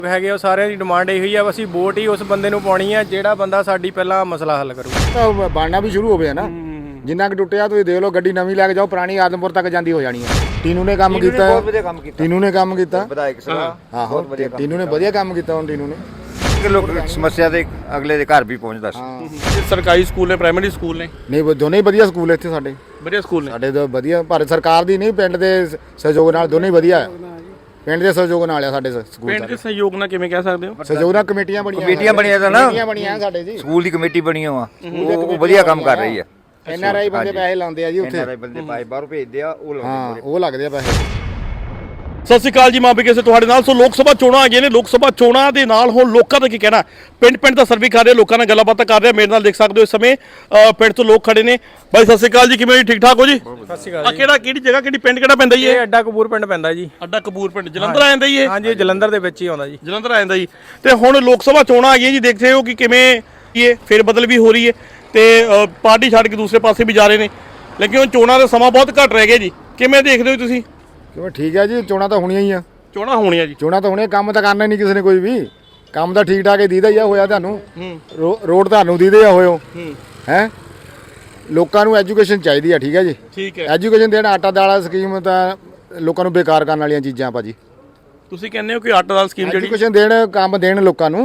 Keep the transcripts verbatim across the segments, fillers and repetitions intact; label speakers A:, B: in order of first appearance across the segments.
A: ਹੈਗੇ ਉਹ ਸਾਰਿਆਂ ਦੀ ਡਿਮਾਂਡ ਇਹੀ ਆ, ਅਸੀਂ ਵੋਟ ਹੀ ਉਸ ਬੰਦੇ ਨੂੰ ਪਾਉਣੀ ਆ ਜਿਹੜਾ ਬੰਦਾ ਸਾਡੀ ਪਹਿਲਾਂ ਮਸਲਾ ਹੱਲ ਕਰੂ।
B: ਤਾਂ ਬਣਨਾ ਵੀ ਸ਼ੁਰੂ ਹੋਵੇ ਨਾ, ਜਿੰਨਾ ਕਿ ਟੁੱਟਿਆ ਤੁਸੀਂ ਦੇਖ ਲਓ, ਗੱਡੀ ਨਵੀਂ ਲੈ ਕੇ ਜਾਓ, ਪੁਰਾਣੀ ਆਦਮਪੁਰ ਤੱਕ ਜਾਂਦੀ ਹੋ ਜਾਣੀ ਹੈ। ਟੀਨੂ ਨੇ ਕੰਮ ਕੀਤਾ,
C: ਬਹੁਤ ਵਧੀਆ ਕੰਮ ਕੀਤਾ
B: ਟੀਨੂ ਨੇ ਕੰਮ ਕੀਤਾ,
C: ਵਿਧਾਇਕ ਸਾਹਿਬ
B: ਆਹੋ ਟੀਨੂ ਨੇ ਵਧੀਆ ਕੰਮ ਕੀਤਾ। ਹੁਣ ਟੀਨੂ ਨੇ
C: ਲੋਕ ਸਮੱਸਿਆ ਦੇ ਅਗਲੇ ਦੇ ਘਰ ਵੀ ਪਹੁੰਚਦਾ ਸੀ।
D: ਸਰਕਾਰੀ ਸਕੂਲ ਨੇ, ਪ੍ਰਾਇਮਰੀ ਸਕੂਲ ਨੇ,
B: ਨਹੀਂ ਦੋਨੇ ਹੀ ਵਧੀਆ ਸਕੂਲ ਇੱਥੇ ਸਾਡੇ,
D: ਵਧੀਆ ਸਕੂਲ ਨੇ
B: ਸਾਡੇ ਤਾਂ ਵਧੀਆ। ਭਾਰਤ ਸਰਕਾਰ ਦੀ ਨਹੀਂ, ਪਿੰਡ ਦੇ ਸਹਿਯੋਗ ਨਾਲ ਦੋਨੇ ਹੀ ਵਧੀਆ, ਪਿੰਡ ਦੇ ਸਹਿਯੋਗ ਨਾਲ ਆ ਸਾਡੇ ਸਕੂਲ।
D: ਪਿੰਡ ਦੇ ਸਹਿਯੋਗ ਨਾਲ ਕਿਵੇਂ ਕਹਿ ਸਕਦੇ ਹੋ?
B: ਸਹਿਯੋਗ ਨਾਲ ਕਮੇਟੀਆਂ ਬਣੀਆਂ,
C: ਕਮੇਟੀਆਂ ਬਣੀਆਂ ਤਾਂ ਨਾ,
B: ਕਮੇਟੀਆਂ ਬਣੀਆਂ ਸਾਡੇ ਜੀ,
C: ਸਕੂਲ ਦੀ ਕਮੇਟੀ ਬਣੀ ਹੋਆ, ਉਹ ਵਧੀਆ ਕੰਮ ਕਰ ਰਹੀ ਹੈ।
B: ਐਨ ਆਰ ਆਈ ਬੰਦੇ ਪੈਸੇ ਲਾਉਂਦੇ ਆ ਜੀ ਉੱਥੇ,
C: ਐਨ ਆਰ ਆਈ ਬੰਦੇ ਪਾਏ ਬਾਹਰੋਂ ਭੇਜਦੇ ਆ, ਉਹ
B: ਹਾਂ
C: ਲਾਉਂਦੇ
B: ਉਹ ਲੱਗਦੇ ਆ ਪੈਸੇ।
D: ਸਤਿ ਸ਼੍ਰੀ ਅਕਾਲ ਜੀ, ਮਾਂ ਬਿਕੇ ਸੇ ਤੁਹਾਡੇ ਨਾਲ। ਸੋ ਲੋਕ ਸਭਾ ਚੋਣਾਂ ਆ ਗਈਆਂ ਨੇ, ਲੋਕ ਸਭਾ ਚੋਣਾਂ ਦੇ ਨਾਲ ਹੁਣ ਲੋਕਾਂ ਦਾ ਕੀ ਕਹਿਣਾ, ਪਿੰਡ ਪਿੰਡ ਦਾ ਸਰਵੇ ਕਰ ਰਹੇ ਲੋਕਾਂ ਨਾਲ ਗੱਲਬਾਤ ਕਰ ਰਹੇ। ਮੇਰੇ ਨਾਲ ਦੇਖ ਸਕਦੇ ਹੋ ਇਸ ਸਮੇਂ ਅ, ਪਿੰਡ ਤੋਂ ਲੋਕ ਖੜੇ ਨੇ। ਬਾਈ ਸਤਿ ਸ਼੍ਰੀ ਅਕਾਲ ਜੀ, ਕਿਵੇਂ ਜੀ? ਠੀਕ ਠਾਕ ਹੋ ਜੀ?
A: ਸਤਿ ਸ਼੍ਰੀ ਅਕਾਲ
D: ਆ
A: ਜੀ।
D: ਕਿਹੜਾ ਕਿਹੜੀ ਜਗ੍ਹਾ, ਕਿਹੜੀ ਪਿੰਡ ਕਿਹੜਾ ਪੈਂਦਾ ਜੀ ਇਹ?
A: ਇਹ ਅੱਡਾ ਕਪੂਰ ਪਿੰਡ ਪੈਂਦਾ ਜੀ।
D: ਅੱਡਾ ਕਪੂਰ ਪਿੰਡ ਜਲੰਧਰ ਆ ਜਾਂਦਾ ਜੀ ਇਹ?
A: ਹਾਂਜੀ, ਇਹ ਜਲੰਧਰ ਦੇ ਵਿੱਚ ਹੀ ਆਉਂਦਾ ਜੀ।
D: ਜਲੰਧਰ ਆ ਜਾਂਦਾ ਜੀ। ਤੇ ਹੁਣ ਲੋਕ ਸਭਾ ਚੋਣਾਂ ਆ ਗਈਆਂ ਜੀ, ਦੇਖਦੇ ਹੋ ਕਿ ਕਿਵੇਂ ਇਹ ਫੇਰ ਬਦਲ ਵੀ ਹੋ ਰਹੀ ਹੈ ਤੇ ਅ, ਪਾਰਟੀ ਛੱਡ ਕੇ ਦੂਸਰੇ ਪਾਸੇ ਵੀ ਜਾ ਰਹੇ ਨੇ, ਲੇਕਿਨ ਹੁਣ ਚੋਣਾਂ ਦਾ ਸਮਾਂ ਬਹੁਤ ਘੱਟ ਰਹਿ ਗਿਆ ਜੀ। ਕਿਵੇਂ ਦੇਖਦੇ ਹੋ ਤੁਸੀਂ?
B: ਕਿਉਂ ਠੀਕ ਹੈ ਜੀ, ਚੋਣਾਂ ਤਾਂ ਹੋਣੀਆਂ ਹੀ ਆ,
D: ਚੋਣਾਂ ਹੋਣੀਆਂ ਜੀ,
B: ਚੋਣਾਂ ਤਾਂ ਹੋਣੀਆਂ। ਕੰਮ ਤਾਂ ਕਰਨਾ ਹੀ ਨਹੀਂ ਕਿਸੇ ਨੇ ਕੋਈ ਵੀ, ਕੰਮ ਤਾਂ ਠੀਕ ਠਾਕ ਹੀ ਦੀਦਾ ਹੀ ਆ। ਹੋਇਆ ਤੁਹਾਨੂੰ ਰੋਡ ਤੁਹਾਨੂੰ ਦੀਦੇ ਆ ਹੋਇਓ ਹੈ। ਲੋਕਾਂ ਨੂੰ ਐਜੂਕੇਸ਼ਨ ਚਾਹੀਦੀ ਆ, ਠੀਕ ਹੈ ਜੀ,
D: ਠੀਕ ਹੈ।
B: ਐਜੂਕੇਸ਼ਨ ਦੇਣ, ਆਟਾ ਦਾਲਾ ਸਕੀਮ ਤਾਂ ਲੋਕਾਂ ਨੂੰ ਬੇਕਾਰ ਕਰਨ ਵਾਲੀਆਂ ਚੀਜ਼ਾਂ ਭਾਜੀ।
D: ਤੁਸੀਂ ਕਹਿੰਦੇ ਹੋ ਕਿ ਆਟਾ ਦਾਲ ਸਕੀਮ ਜਿਹੜੀ
B: ਐਜੂਕੇਸ਼ਨ ਦੇਣ, ਕੰਮ ਦੇਣ ਲੋਕਾਂ ਨੂੰ,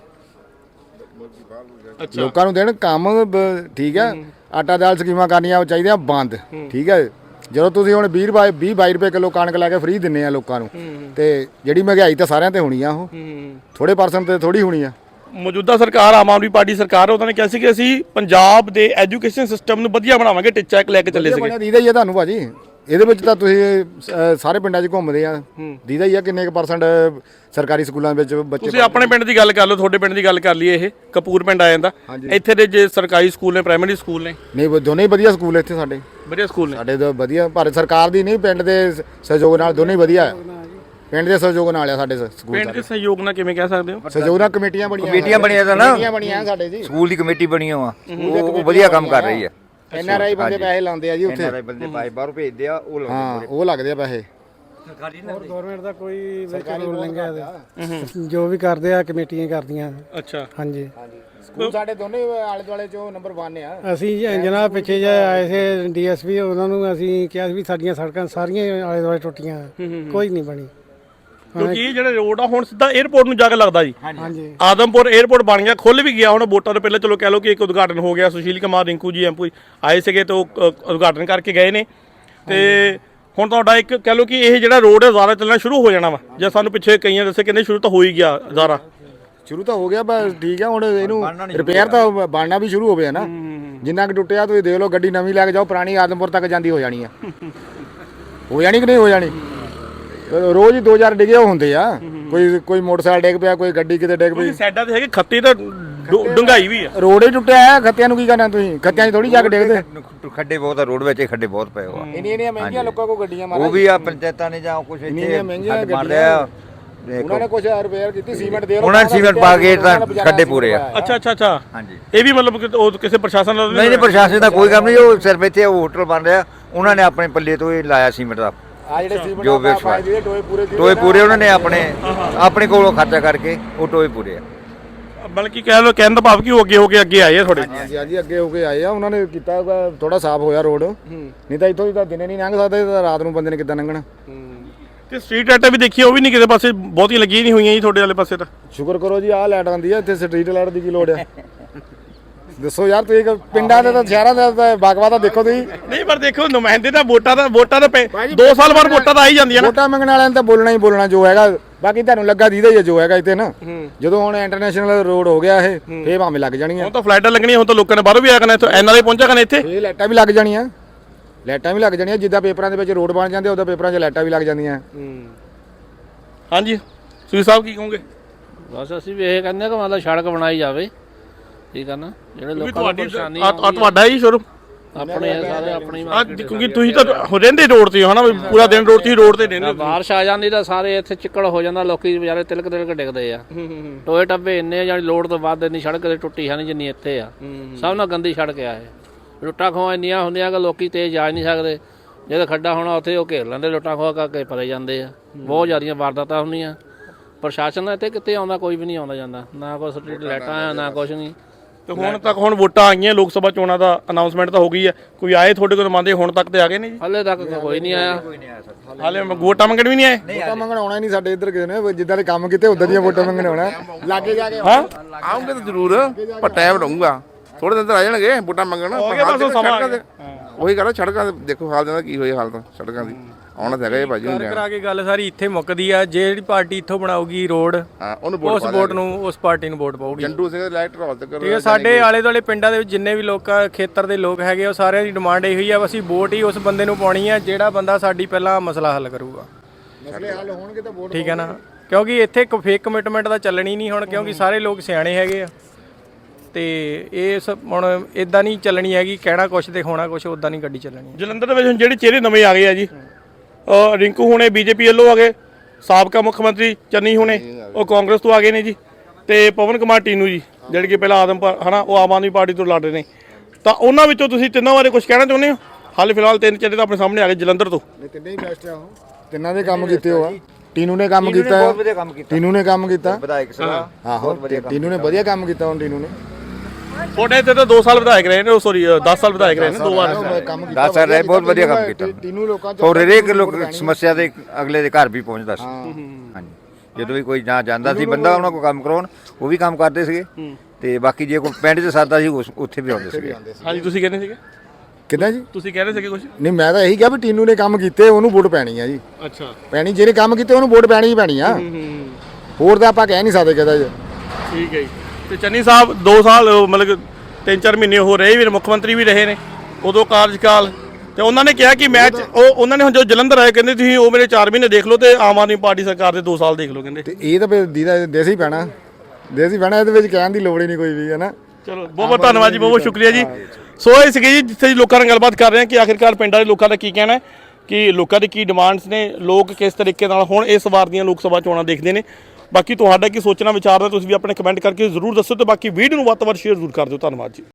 D: ਅੱਛਾ
B: ਲੋਕਾਂ ਨੂੰ ਦੇਣ ਕੰਮ, ਬ- ਠੀਕ ਹੈ। ਆਟਾ ਦਾਲ ਸਕੀਮਾਂ ਕਰਨੀਆਂ ਚਾਹੀਦੀਆਂ ਬੰਦ, ਠੀਕ ਹੈ। ਜਦੋਂ ਤੁਸੀਂ ਹੁਣ ਵੀਹ ਬਾਈ ਵੀਹ ਬਾਈ ਰੁਪਏ ਕਿਲੋ ਕਣਕ ਲੈ ਕੇ ਫ੍ਰੀ ਦਿੰਨੇ ਆ ਲੋਕਾਂ ਨੂੰ, ਤੇ ਜਿਹੜੀ ਮਹਿੰਗਾਈ ਤਾਂ ਸਾਰਿਆਂ ਤੇ ਹੋਣੀ ਆ, ਉਹ ਥੋੜੇ ਪਰਸੈਂਟ ਤੇ ਥੋੜੀ ਹੋਣੀ ਆ।
D: ਮੌਜੂਦਾ ਸਰਕਾਰ ਆਮ ਆਦਮੀ ਪਾਰਟੀ ਸਰਕਾਰ, ਉਹਨਾਂ ਨੇ ਕਿਹਾ ਸੀ ਕਿ ਅਸੀਂ ਪੰਜਾਬ ਦੇ ਐਜੂਕੇਸ਼ਨ ਸਿਸਟਮ ਨੂੰ ਵਧੀਆ ਬਣਾਵਾਂਗੇ, ਟੀਚਾ ਇੱਕ ਲੈ ਕੇ ਚੱਲੇ ਸੀਗੇ।
B: ਦੀਦਾ ਹੀ ਆ ਤੁਹਾਨੂੰ ਭਾਜੀ, ਇਹਦੇ ਵਿੱਚ ਤਾਂ ਤੁਸੀਂ ਅ, ਸਾਰੇ ਪਿੰਡਾਂ 'ਚ ਘੁੰਮਦੇ ਆ, ਦੀਦਾ ਹੀ ਆ ਕਿੰਨੇ ਕੁ ਪਰਸੈਂਟ ਸਰਕਾਰੀ ਸਕੂਲਾਂ ਵਿੱਚ ਬੱਚੇ।
D: ਤੁਸੀਂ ਆਪਣੇ ਪਿੰਡ ਦੀ ਗੱਲ ਕਰ ਲਓ, ਤੁਹਾਡੇ ਪਿੰਡ ਦੀ ਗੱਲ ਕਰ ਲਈਏ, ਇਹ ਕਪੂਰ ਪਿੰਡ ਆ ਜਾਂਦਾ। ਇੱਥੇ ਦੇ ਜੇ ਸਰਕਾਰੀ ਸਕੂਲ ਨੇ, ਪ੍ਰਾਇਮਰੀ ਸਕੂਲ ਨੇ,
B: ਨਹੀਂ ਦੋਨੇ ਹੀ ਵਧੀਆ ਸਕੂਲ ਇੱਥੇ ਸਾਡੇ,
D: ਵਧੀਆ ਸਕੂਲ ਨੇ
B: ਸਾਡੇ ਤਾਂ ਵਧੀਆ। ਭਾਰਤ ਸਰਕਾਰ ਦੀ ਨਹੀਂ, ਪਿੰਡ ਦੇ ਸਹਿਯੋਗ ਨਾਲ ਦੋਨੇ ਹੀ ਵਧੀਆ, ਪਿੰਡ ਦੇ ਸਹਿਯੋਗ ਨਾਲ ਆ ਸਾਡੇ ਸਕੂਲ।
D: ਪਿੰਡ ਦੇ ਸਹਿਯੋਗ ਨਾਲ ਕਿਵੇਂ ਕਹਿ ਸਕਦੇ ਹੋ?
B: ਸਹਿਯੋਗ ਨਾਲ ਕਮੇਟੀਆਂ ਬਣੀਆਂ,
C: ਕਮੇਟੀਆਂ ਬਣੀਆਂ ਤਾਂ ਨਾ,
B: ਕਮੇਟੀਆਂ ਬਣੀਆਂ ਸਾਡੇ ਜੀ,
C: ਸਕੂਲ ਦੀ ਕਮੇਟੀ ਬਣੀ ਹੋਆ, ਉਹ ਵਧੀਆ ਕੰਮ ਕਰ ਰਹੀ ਹੈ।
B: ਐਨ ਆਰ ਆਈ ਬੰਦੇ ਪੈਸੇ ਲਾਉਂਦੇ ਆ ਜੀ
C: ਐਨ
B: ਉੱਥੇ,
C: ਆਰ ਆਈ ਬੰਦੇ ਪਾਏ ਬਾਹਰੋਂ ਭੇਜਦੇ ਆ, ਉਹ ਲਾਉਂਦੇ
B: ਹਾਂ ਉਹ ਲੱਗਦੇ ਆ ਪੈਸੇ।
E: ਗਵਰਨਮੈਂਟ ਦਾ ਕੋਈ ਵਿੱਚ ਰੂਲ ਨਹੀਂ ਹੈ, ਜੋ ਵੀ ਕਰਦੇ ਆ ਕਮੇਟੀਆਂ ਕਰਦੀਆਂ।
D: ਅੱਛਾ,
E: ਹਾਂਜੀ,
B: ਸਕੂਲ ਸਾਡੇ ਦੋਨੇ ਆਲੇ ਦੁਆਲੇ ਚੋਂ ਨੰਬਰ ਇੱਕ ਆ।
E: ਅਸੀਂ ਜਨਾਬ ਪਿੱਛੇ ਜੇ ਆਏ ਸੀ ਡੀ ਐਸ ਪੀ, ਉਹਨਾਂ ਨੂੰ ਅਸੀਂ ਕਿਹਾ ਸੀ ਵੀ ਸਾਡੀਆਂ ਸੜਕਾਂ ਸਾਰੀਆਂ ਆਲੇ ਦੁਆਲੇ ਟੁੱਟੀਆਂ, ਕੋਈ ਨਹੀਂ ਬਣੀ।
D: ਕਿਉਂਕਿ ਇਹ ਜਿਹੜਾ ਰੋਡ ਆ ਹੁਣ ਸਿੱਧਾ 에ਅਰਪੋਰਟ ਨੂੰ ਜਾ ਕੇ ਲੱਗਦਾ ਜੀ।
E: ਹਾਂਜੀ,
D: ਆਦਮਪੁਰ 에ਅਰਪੋਰਟ ਬਣ ਗਿਆ, ਖੁੱਲ ਵੀ ਗਿਆ। ਹੁਣ ਵੋਟਾਂ ਤੋਂ ਪਹਿਲਾਂ ਚਲੋ ਕਹਿ ਲਓ ਕਿ ਇੱਕ ਉਦਘਾਟਨ ਹੋ ਗਿਆ, ਸੁਸ਼ੀਲ ਕੁਮਾਰ ਰਿੰਕੂ ਜੀ ਐਮਪੀ ਆਏ ਸੀਗੇ ਤੇ ਉਹ ਅ, ਉਦਘਾਟਨ ਕਰਕੇ ਗਏ ਨੇ। ਤੇ ਹੁਣ ਤੁਹਾਡਾ ਇੱਕ ਕਹਿ ਲਓ ਕਿ ਇਹ ਜਿਹੜਾ ਰੋਡ ਹੈ ਜ਼ਿਆਦਾ ਚੱਲਣਾ ਸ਼ੁਰੂ ਹੋ ਜਾਣਾ ਵਾ, ਜਾਂ ਸਾਨੂੰ ਪਿੱਛੇ ਕਈਆਂ ਦੱਸੇ ਕਹਿੰਦੇ ਸ਼ੁਰੂ ਤਾਂ ਹੋ ਹੀ ਗਿਆ ਜ਼ਿਆਦਾ।
B: ਸ਼ੁਰੂ ਤਾਂ ਹੋ ਗਿਆ, ਬਸ ਠੀਕ ਆ। ਹੁਣ ਇਹਨੂੰ ਰਿਪੇਅਰ ਤਾਂ ਬਣਨਾ ਵੀ ਸ਼ੁਰੂ ਹੋਵੇ ਨਾ, ਜਿੰਨਾ ਕਿ ਟੁੱਟਿਆ ਤੁਸੀਂ ਦੇਖ ਲਓ, ਗੱਡੀ ਨਵੀਂ ਲੈ ਕੇ ਜਾਓ, ਪੁਰਾਣੀ ਆਦਮਪੁਰ ਤੱਕ ਜਾਂਦੀ ਹੋ ਜਾਣੀ ਆ। ਹੋ ਜਾਣੀ ਕਿ ਨਹੀਂ ਹੋ ਜਾਣੀ? ਰੋਜ਼ ਹੀ ਦੋ ਚਾਰ ਡਿੱਗੇ ਹੁੰਦੇ ਆ, ਕੋਈ ਕੋਈ ਮੋਟਰਸਾਈਕਲ ਡਿੱਗ ਪਿਆ, ਕੋਈ ਗੱਡੀ ਕਿਤੇ ਡਿੱਗ ਪਈ।
D: ਸਾਈਡਾਂ ਤੇ ਹੈਗੇ ਖੱਤੀ ਤਾਂ ਡੂੰਘਾਈ ਵੀ ਆ,
B: ਰੋਡ ਹੀ ਟੁੱਟਿਆ ਹੈ, ਖੱਤਿਆਂ ਨੂੰ ਕੀ ਕਰਨਾ ਤੁਸੀਂ? ਖੱਤਿਆਂ 'ਚ ਥੋੜੀ ਜਾ ਕੇ ਡਿੱਗਦੇ।
C: ਖੱਡੇ ਬਹੁਤ ਆ, ਰੋਡ ਵਿੱਚ ਹੀ ਖੱਡੇ ਬਹੁਤ ਪਏ ਹੋਆ।
B: ਇੰਨੀਆਂ ਇੰਨੀਆਂ ਮਹਿੰਗੀਆਂ ਲੋਕਾਂ ਕੋਲ ਗੱਡੀਆਂ
C: ਉਹ ਵੀ ਆ ਪੰਚਾਇਤਾਂ ਨੇ ਜਾਂ ਕੁਝ ਇੱਥੇ
B: ਮਹਿੰਗੀਆਂ
C: ਮਾਰਦੇ ਆ,
B: ਉਹਨਾਂ ਨੇ ਕੁਝ ਰਿਪੇਅਰ ਕੀਤੀ, ਸੀਮੈਂਟ ਦੇ
C: ਉਹਨਾਂ ਨੇ ਸੀਮੈਂਟ ਪਾ ਕੇ ਤਾਂ ਖੱਡੇ ਪੂਰੇ ਆ।
D: ਅੱਛਾ ਅੱਛਾ ਅੱਛਾ,
C: ਹਾਂਜੀ,
D: ਇਹ ਵੀ ਮਤਲਬ ਕਿ ਉਹ ਕਿਸੇ ਪ੍ਰਸ਼ਾਸਨ ਦਾ
C: ਨਹੀਂ ਨਹੀਂ ਪ੍ਰਸ਼ਾਸਨ ਦਾ ਕੋਈ ਕੰਮ ਨਹੀਂ, ਉਹ ਸਿਰਫ ਇੱਥੇ ਉਹ ਹੋਟਲ ਬਣ ਰਿਹਾ, ਉਹਨਾਂ ਨੇ ਆਪਣੇ ਪੱਲੇ ਤੋਂ ਹੀ ਲਾਇਆ ਸੀਮੈਂਟ ਦਾ।
B: ਆ ਜਿਹੜੇ ਸੀਮੈਂਟ
C: ਜੋ
B: ਦਾ
C: ਵਿਸ਼ਵਾਸ
B: ਟੋਏ ਪੂਰੇ
C: ਟੋਏ ਪੂਰੇ ਉਹਨਾਂ ਨੇ ਆਪਣੇ ਆਪਣੇ ਕੋਲੋਂ ਖਰਚਾ ਕਰਕੇ ਉਹ ਟੋਏ ਪੂਰੇ ਆ।
D: ਬਲਕਿ ਕਹਿ ਲਓ, ਕਹਿਣ ਦਾ ਭਾਵ ਕਿ ਉਹ ਅੱਗੇ ਹੋ ਕੇ ਅੱਗੇ ਆਏ ਆ ਥੋੜੇ।
B: ਹਾਂਜੀ ਹਾਂਜੀ, ਅੱਗੇ ਹੋ ਕੇ ਆਏ ਆ, ਉਹਨਾਂ ਨੇ ਕੀਤਾ ਥੋੜਾ ਸਾਫ਼ ਹੋਇਆ ਰੋਡ, ਨਹੀਂ ਤਾਂ ਇੱਥੋਂ ਦੀ ਤਾਂ ਦਿਨੇ ਨਹੀਂ ਲੰਘ ਸਕਦੇ, ਤਾਂ ਰਾਤ ਨੂੰ ਬੰਦੇ ਨੇ ਕਿੱਦਾਂ ਲੰਘਣਾ।
D: ਤੇ ਸਟਰੀਟ ਲਾਈਟਾਂ ਵੀ ਦੇਖੀਏ, ਉਹ ਵੀ ਨਹੀਂ ਕਿਸੇ ਪਾਸੇ ਬਹੁਤੀ ਲੱਗੀਆਂ ਨਹੀਂ ਹੋਈਆਂ ਜੀ ਤੁਹਾਡੇ ਵਾਲੇ ਪਾਸੇ ਤਾਂ।
B: ਸ਼ੁਕਰ ਕਰੋ ਜੀ, ਆਹ ਲਾਈਟ ਆਉਂਦੀ ਆ ਇੱਥੇ, ਸਟਰੀਟ ਲਾਈਟ ਦੀ ਕੀ ਲੋੜ ਆ? ਦੱਸੋ ਯਾਰ, ਤੁਸੀਂ ਪਿੰਡਾਂ ਦੇ ਤਾਂ ਸ਼ਹਿਰਾਂ ਦੇ ਤਾਂ ਬਾਗਵਾ ਤਾਂ ਦੇਖੋ ਤੁਸੀਂ।
D: ਨਹੀਂ ਪਰ ਦੇਖੋ, ਨੁਮਾਇੰਦੇ ਤਾਂ ਵੋਟਾਂ ਦਾ ਵੋਟਾਂ ਦਾ ਦੋ ਸਾਲ ਬਾਅਦ ਵੋਟਾਂ ਤਾਂ ਆ ਹੀ ਜਾਂਦੀਆਂ ਨਾ।
B: ਵੋਟਾਂ ਮੰਗਣ ਵਾਲਿਆਂ ਨੇ ਤਾਂ ਬੋਲਣਾ ਹੀ ਬੋਲਣਾ ਜੋ ਹੈਗਾ, ਬਾਕੀ ਤੁਹਾਨੂੰ ਲੱਗਾ ਦੀਦਾ ਹੀ ਜੋ ਹੈਗਾ ਇੱਥੇ ਨਾ। ਜਦੋਂ ਹੁਣ ਇੰਟਰਨੈਸ਼ਨਲ ਰੋਡ ਹੋ ਗਿਆ ਇਹ, ਫੇਰ ਭਾਵੇਂ ਲੱਗ ਜਾਣੀਆਂ।
D: ਹੁਣ ਤਾਂ ਫਲਾਈਟਾਂ ਲੱਗਣੀਆਂ, ਹੁਣ ਤਾਂ ਲੋਕਾਂ ਨੇ ਬਾਹਰੋਂ ਵੀ ਆ ਕਰਨਾ, ਇੱਥੇ ਐਨ ਆਰ ਆਈ ਪਹੁੰਚਿਆ ਕਰਨਾ ਇੱਥੇ।
B: ਇਹ ਲਾਈਟਾਂ ਵੀ ਲੱਗ ਜਾਣੀਆਂ, ਲਾਈਟਾਂ ਵੀ ਲੱਗ ਜਾਣੀਆਂ, ਜਿੱਦਾਂ ਪੇਪਰਾਂ ਦੇ ਵਿੱਚ ਰੋਡ ਬਣ ਜਾਂਦੇ ਉਦਾਂ ਪੇਪਰਾਂ 'ਚ ਲਾਈਟਾਂ ਵੀ ਲੱਗ ਜਾਂਦੀਆਂ।
D: ਹਾਂਜੀ, ਤੁਸੀਂ ਸਾਹਿਬ ਕੀ ਕਹੋਗੇ?
F: ਬਸ ਅਸੀਂ ਵੀ ਇਹ ਕਹਿੰਦੇ ਕਿ ਮਤਲਬ ਸੜਕ ਬਣਾਈ ਜਾਵੇ, ਠੀਕ ਹੈ ਨਾ, ਜਿਹੜੇ ਲੋਕਾਂ ਨੂੰ ਪਰੇਸ਼ਾਨੀ
D: ਆ ਤੁਹਾਡਾ ਹੀ ਸ਼ੁਰੂ
F: ਆਪਣੇ ਆ ਸਾਰੇ ਆਪਣੀ
D: ਆ, ਕਿਉਂਕਿ ਤੁਸੀਂ ਤਾਂ ਰਹਿੰਦੇ ਰੋਡ ਤੇ ਹੋ ਨਾ, ਪੂਰਾ ਦਿਨ ਰੋਡ ਤੇ ਰੋਡ ਤੇ ਰਹਿੰਦੇ।
F: ਬਾਰਿਸ਼ ਆ ਜਾਂਦੀ ਤਾਂ ਸਾਰੇ ਇੱਥੇ ਚਿੱਕੜ ਹੋ ਜਾਂਦਾ, ਲੋਕੀ ਵਿਚਾਰੇ ਤਿਲਕ ਤਿਲਕ ਡਿੱਗਦੇ ਆ। ਟੋਏ ਟੱਬੇ ਇੰਨੇ ਆ, ਜਾਨੀ ਲੋੜ ਤੋਂ ਵੱਧ ਇੰਨੀ ਸੜਕ ਤੇ ਟੁੱਟੀ ਹੈ ਨਹੀਂ ਜਿੰਨੀ ਇੱਥੇ ਆ। ਸਭ ਨਾਲ ਗੰਦੀ ਸੜਕ ਆ ਇਹ। ਲੁੱਟਾਂ ਖੋਹਾਂ ਇੰਨੀਆਂ ਹੁੰਦੀਆਂ ਕਿ ਲੋਕੀ ਤੇਜ਼ ਜਾ ਨਹੀਂ ਸਕਦੇ, ਜਦੋਂ ਖੱਡਾ ਹੋਣਾ ਉੱਥੇ ਉਹ ਘੇਰ ਲੈਂਦੇ, ਲੁੱਟਾਂ ਖੋਹਾਂ ਕਰਕੇ ਪਰੇ ਜਾਂਦੇ ਆ। ਬਹੁਤ ਜ਼ਿਆਦੀਆਂ ਵਾਰਦਾਤਾਂ ਹੁੰਦੀਆਂ, ਪ੍ਰਸ਼ਾਸਨ ਇੱਥੇ ਕਿੱਥੇ ਆਉਂਦਾ, ਕੋਈ ਵੀ ਨਹੀਂ ਆਉਂਦਾ ਜਾਂਦਾ, ਨਾ ਕੋਈ ਸਟਰੀਟ ਲਾਈਟਾਂ ਆ ਨਾ ਕੁਛ ਨਹੀਂ।
D: ਤੇ ਹੁਣ ਤੱਕ ਹੁਣ ਵੋਟਾਂ ਆਈਆਂ ਲੋਕ ਸਭਾ ਚੋਣਾਂ ਦਾ ਅਨਾਉਂਸਮੈਂਟ ਤਾਂ ਹੋ ਗਈ ਹੈ, ਕੋਈ ਆਏ ਤੁਹਾਡੇ ਕੋਲ ਨੁਮਾਇੰਦੇ ਹੁਣ ਤੱਕ ਤੇ ਆ ਗਏ ਨੇ ਜੀ?
F: ਹਾਲੇ ਤੱਕ ਕੋਈ ਨਹੀਂ ਆਇਆ।
D: ਹਾਲੇ ਵੋਟਾਂ ਮੰਗਣ ਵੀ ਨਹੀਂ ਆਏ?
B: ਵੋਟਾਂ ਮੰਗਣ ਆਉਣਾ ਹੀ ਨਹੀਂ ਸਾਡੇ ਇੱਧਰ ਕਿਸੇ ਨੇ, ਜਿੱਦਾਂ ਦੇ ਕੰਮ ਕੀਤੇ ਉਦਾਂ ਦੀਆਂ ਵੋਟਾਂ ਮੰਗਣ ਆਉਣਾ ਲਾਗੇ ਜਾ ਕੇ।
D: ਹਾਂ
G: ਆਉਂਗੇ ਤਾਂ ਜ਼ਰੂਰ, ਪਰ ਟਾਈਮ ਰਹੂਗਾ, ਥੋੜੇ ਦਿਨ ਤਾਂ ਆ ਜਾਣਗੇ ਵੋਟਾਂ ਮੰਗਣ। ਉਹੀ ਗੱਲ, ਸੜਕਾਂ ਦੇ ਦੇਖੋ ਹਾਲ ਦਾ ਕੀ ਹੋਇਆ, ਹਾਲ ਤਾਂ ਸੜਕਾਂ ਦੀ ਆਉਣਾ ਤਾਂ ਹੈਗਾ ਇਹ ਭਾਜੀ।
A: ਕਰ ਕਰਾ ਕੇ ਗੱਲ ਸਾਰੀ ਇੱਥੇ ਮੁੱਕਦੀ ਆ, ਜਿਹੜੀ ਪਾਰਟੀ ਇੱਥੋਂ ਬਣਾਊਗੀ ਰੋਡ
G: ਹਾਂ ਉਹਨੂੰ
A: ਉਸ ਵੋਟ ਨੂੰ, ਉਸ ਪਾਰਟੀ ਨੂੰ ਵੋਟ ਪਾਊਗੀ।
G: ਜੰਡੂ ਸਿੰਘ ਇਲੈਕਟਰ ਹਾਲ ਤੱਕ
A: ਠੀਕ ਹੈ, ਸਾਡੇ ਆਲੇ ਦੁਆਲੇ ਪਿੰਡਾਂ ਦੇ ਵਿੱਚ ਜਿੰਨੇ ਵੀ ਲੋਕਾਂ ਖੇਤਰ ਦੇ ਲੋਕ ਹੈਗੇ ਉਹ ਸਾਰਿਆਂ ਦੀ ਡਿਮਾਂਡ ਇਹੀ ਆ, ਅਸੀਂ ਵੋਟ ਹੀ ਉਸ ਬੰਦੇ ਨੂੰ ਪਾਉਣੀ ਆ ਜਿਹੜਾ ਬੰਦਾ ਸਾਡੀ ਪਹਿਲਾਂ ਮਸਲਾ ਹੱਲ ਕਰੂਗਾ।
B: ਮਸਲੇ ਹੱਲ ਹੋਣਗੇ ਤਾਂ ਵੋਟ
A: ਠੀਕ ਹੈ ਨਾ, ਕਿਉਂਕਿ ਇੱਥੇ ਇੱਕ ਫੇਕ ਕਮਿਟਮੈਂਟ ਦਾ ਚੱਲਣੀ ਨਹੀਂ ਹੁਣ, ਕਿਉਂਕਿ ਸਾਰੇ ਲੋਕ ਸਿਆਣੇ ਹੈਗੇ ਆ ਤੇ ਇਹ ਸਭ ਹੁਣ ਇਦਾਂ ਨਹੀਂ ਚੱਲਣੀ ਹੈਗੀ, ਕਹਿਣਾ ਕੁਛ ਤੇ ਹੋਣਾ ਕੁਛ, ਉਦਾਂ ਨਹੀਂ ਗੱਡੀ ਚੱਲਣੀ।
D: ਜਲੰਧਰ ਦੇ ਵਿੱਚ ਹੁਣ ਜਿਹੜੇ ਚਿਹਰੇ ਨਵੇਂ ਆ ਗਏ ਆ ਜੀ, ਅ, ਰਿੰਕੂ ਹੁਣੇ ਬੀਜੇਪੀ ਵੱਲੋਂ ਆ ਗਏ, ਸਾਬਕਾ ਮੁੱਖ ਮੰਤਰੀ ਚੰਨੀ ਹੁਣੇ ਉਹ ਕਾਂਗਰਸ ਤੋਂ ਆ ਗਏ ਨੇ ਜੀ, ਤੇ ਪਵਨ ਕੁਮਾਰ ਟੀਨੂ ਜੀ ਜਿਹੜੇ ਕਿ ਪਹਿਲਾਂ ਆਦਮ ਹਨਾ ਉਹ ਆਮ ਆਦਮੀ ਪਾਰਟੀ ਤੋਂ ਲੜ ਰਹੇ ਨੇ। ਤਾਂ ਉਹਨਾਂ ਵਿੱਚੋਂ ਤੁਸੀਂ ਤਿੰਨਾਂ ਬਾਰੇ ਕੁਝ ਕਹਿਣਾ ਚਾਹੁੰਦੇ ਹੋ? ਹਾਲੇ ਫਿਲਹਾਲ ਤਿੰਨ ਚਿਹਰੇ ਤਾਂ ਆਪਣੇ ਸਾਹਮਣੇ ਆ ਗਏ ਜਲੰਧਰ ਤੋਂ।
B: ਤਿੰਨੇ ਹੀ ਬੈਸਟ ਆ, ਉਹ ਤਿੰਨਾਂ ਦੇ ਕੰਮ ਕੀਤੇ ਹੋ ਆ। ਟੀਨੂ ਨੇ ਕੰਮ ਕੀਤਾ,
C: ਬਹੁਤ ਵਧੀਆ ਕੰਮ ਕੀਤਾ,
B: ਟੀਨੂ ਨੇ ਕੰਮ ਕੀਤਾ,
C: ਵਿਧਾਇਕ ਸਭਾ
B: ਆਹੋ ਟੀਨੂ ਨੇ ਵਧੀਆ ਕੰਮ ਕੀਤਾ। ਹੁਣ ਟੀਨੂ ਨੇ
D: ਤੁਹਾਡੇ ਇੱਥੇ ਤਾਂ ਦੋ ਸਾਲ ਵਿਧਾਇਕ ਰਹੇ ਨੇ, ਸੌਰੀ ਦਸ ਸਾਲ ਵਿਧਾਇਕ ਰਹੇ ਨੇ, ਦੋ ਵਾਰ।
B: ਕੰਮ ਕੀਤਾ,
C: ਦਸ ਸਾਲ ਰਹੇ, ਬਹੁਤ ਵਧੀਆ ਕੰਮ ਕੀਤਾ।
B: ਟੀਨੂ ਲੋਕਾਂ ਚ
C: ਔਰ ਹਰੇਕ ਲੋਕ ਸਮੱਸਿਆ ਦੇ ਅਗਲੇ ਦੇ ਘਰ ਵੀ ਪਹੁੰਚਦਾ ਸੀ। ਹਾਂਜੀ, ਜਦੋਂ ਵੀ ਕੋਈ ਨਾ ਜਾਂਦਾ ਸੀ ਬੰਦਾ ਉਹਨਾਂ ਕੋਲ ਕੰਮ ਕਰਾਉਣ, ਉਹ ਵੀ ਕੰਮ ਕਰਦੇ ਸੀਗੇ, ਤੇ ਬਾਕੀ ਜੇ ਕੋਈ ਪਿੰਡ 'ਚ ਸਰਦਾ ਸੀ ਉਸ- ਉੱਥੇ ਵੀ ਆਉਂਦੇ ਸੀਗੇ।
D: ਹਾਂਜੀ, ਤੁਸੀਂ ਕਹਿੰਦੇ ਸੀਗੇ?
B: ਕਿੱਦਾਂ ਜੀ?
D: ਤੁਸੀਂ ਕਹਿ ਰਹੇ ਸੀਗੇ ਕੁਝ?
B: ਨਹੀਂ ਮੈਂ ਤਾਂ ਇਹੀ ਕਿਹਾ ਵੀ ਟੀਨੂ ਨੇ ਕੰਮ ਕੀਤੇ, ਉਹਨੂੰ ਵੋਟ ਪੈਣੀ ਆ ਜੀ।
D: ਅੱਛਾ,
B: ਪੈਣੀ, ਜਿਹਨੇ ਕੰਮ ਕੀਤੇ ਉਹਨੂੰ ਵੋਟ ਪੈਣੀ ਹੀ ਪੈਣੀ ਆ, ਹੋਰ ਤਾਂ ਆਪਾਂ ਕਹਿ ਨਹੀਂ ਸਕਦੇ ਕਿਹਦਾ ਜੀ।
D: ਠੀਕ ਹੈ ਜੀ। ਤੇ ਚੰਨੀ ਸਾਹਿਬ ਦੋ ਸਾਲ ਅ, ਮਤਲਬ ਤਿੰਨ ਚਾਰ ਮਹੀਨੇ ਹੋ ਰਹੇ ਵੀ, ਮੁੱਖ ਮੰਤਰੀ ਵੀ ਰਹੇ ਨੇ, ਉਦੋਂ ਕਾਰਜਕਾਲ ਤੇ ਉਹਨਾਂ ਨੇ ਕਿਹਾ ਕਿ ਮੈਂ ਉਹ ਉਹਨਾਂ ਨੇ ਹੁਣ ਜੋ ਜਲੰਧਰ ਆਏ ਕਹਿੰਦੇ ਤੁਸੀਂ ਉਹ ਮੇਰੇ ਚਾਰ ਮਹੀਨੇ ਦੇਖ ਲਓ ਤੇ ਆਮ ਆਦਮੀ ਪਾਰਟੀ ਸਰਕਾਰ ਦੇ ਦੋ ਸਾਲ ਦੇਖ ਲਓ ਕਹਿੰਦੇ।
B: ਤੇ ਇਹ ਤਾਂ ਫਿਰ ਦੀਦਾ ਦੇਸੀ ਪੈਣਾ, ਦੇਸੀ ਪੈਣਾ, ਇਹਦੇ ਵਿੱਚ ਕਹਿਣ ਦੀ ਲੋੜ ਹੀ ਨਹੀਂ ਕੋਈ ਵੀ, ਹੈ ਨਾ।
D: ਚਲੋ ਬਹੁਤ ਬਹੁਤ ਧੰਨਵਾਦ ਜੀ, ਬਹੁਤ ਬਹੁਤ ਸ਼ੁਕਰੀਆ ਜੀ। ਸੋ ਇਹ ਸੀਗੇ ਜੀ ਜਿੱਥੇ ਜੀ ਲੋਕਾਂ ਨਾਲ ਗੱਲਬਾਤ ਕਰ ਰਹੇ ਹਾਂ ਕਿ ਆਖਿਰਕਾਰ ਪਿੰਡਾਂ ਦੇ ਲੋਕਾਂ ਦਾ ਕੀ ਕਹਿਣਾ ਹੈ, ਕਿ ਲੋਕਾਂ ਦੀ ਕੀ ਡਿਮਾਂਡਸ ਨੇ, ਲੋਕ ਕਿਸ ਤਰੀਕੇ ਨਾਲ ਹੁਣ ਇਸ ਵਾਰ ਦੀਆਂ ਲੋਕ ਸਭਾ ਚੋਣਾਂ ਦੇਖਦੇ ਨੇ। ਬਾਕੀ ਤੁਹਾਡਾ ਕੀ ਸੋਚਣਾ ਵਿਚਾਰਨਾ ਤੁਸੀਂ ਵੀ ਆਪਣੇ ਕਮੈਂਟ ਕਰਕੇ ਜ਼ਰੂਰ ਦੱਸੋ, ਤੇ ਬਾਕੀ ਵੀਡੀਓ ਨੂੰ ਵੱਧ ਤੋਂ ਵੱਧ ਸ਼ੇਅਰ ਜ਼ਰੂਰ ਕਰ ਦਿਓ। ਧੰਨਵਾਦ ਜੀ।